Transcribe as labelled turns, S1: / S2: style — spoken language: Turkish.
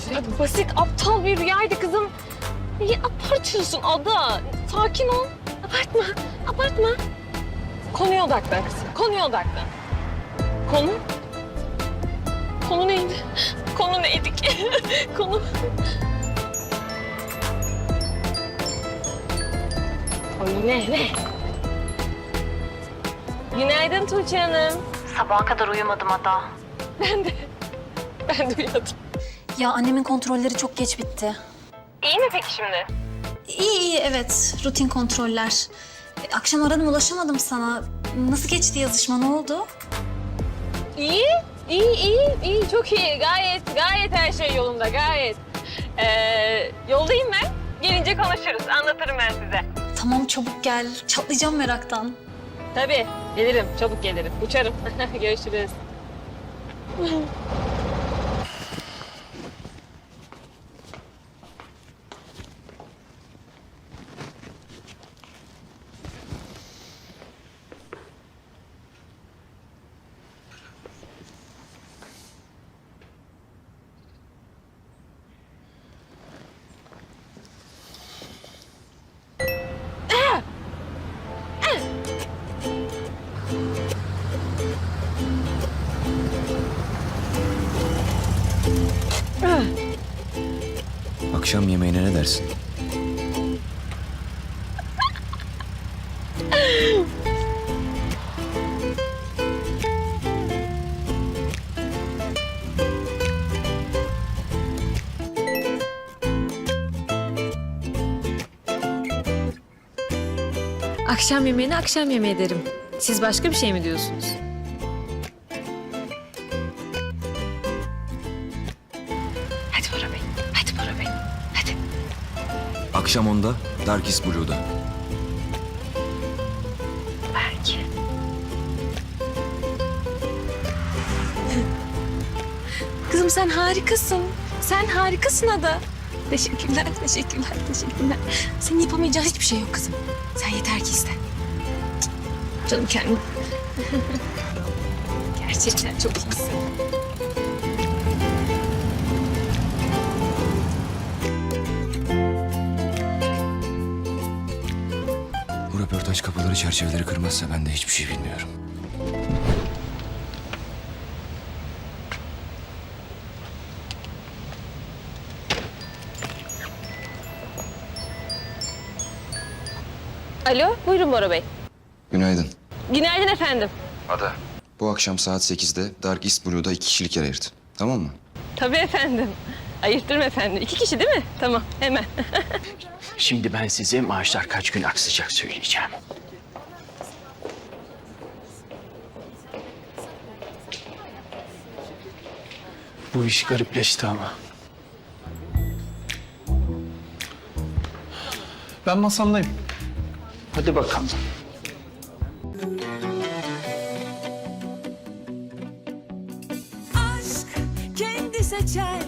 S1: Basit, aptal bir rüyaydı kızım. Niye abartıyorsun Ada? Sakin ol. Abartma, abartma. Konuya odaklan kızım, konuya odaklan. Konu? Konu neydi? Konu neydi ki? Konu... Ay ne? Günaydın Tuğçe Hanım.
S2: Sabaha kadar uyumadım Ada.
S1: Ben de uyuyadım.
S2: Ya annemin kontrolleri çok geç bitti.
S1: İyi mi peki şimdi?
S2: İyi evet. Rutin kontroller. Akşam aradım ulaşamadım sana. Nasıl geçti yazışma ne oldu?
S1: İyi, çok iyi. Gayet her şey yolunda, gayet. Yoldayım ben. Gelince konuşuruz, anlatırım ben size.
S2: Tamam çabuk gel. Çatlayacağım meraktan.
S1: Tabii, gelirim, çabuk gelirim. Uçarım. Görüşürüz.
S3: Akşam yemeğine ne dersin?
S4: Akşam yemeğine akşam yemeği derim. Siz başka bir şey mi diyorsunuz?
S1: Hadi Bora Bey, hadi Bora Bey, hadi.
S3: Akşam 10'da Dark is Blue'da.
S1: Belki.
S4: Kızım sen harikasın. Sen harikasın Ada. Teşekkürler. Teşekkürler. Senin yapamayacağın hiçbir şey yok kızım. Sen yeter ki iste. Canım kendim. Gerçekten çok iyisin.
S3: Bu röportaj kapıları çerçeveleri kırmazsa ben de hiçbir şey bilmiyorum.
S1: Alo, buyurun Bora Bey.
S3: Günaydın.
S1: Günaydın efendim.
S3: Ada. Bu akşam saat 8'de Dark East Blue'da 2 kişilik yer ayırt. Tamam mı?
S1: Tabii efendim. Ayırtırım efendim. 2 kişi değil mi? Tamam, hemen.
S5: Şimdi ben size maaşlar kaç gün aksayacak söyleyeceğim. Bu iş garipleşti ama.
S6: Ben masamdayım.
S5: Hadi bakalım.
S7: aşk kendi seçer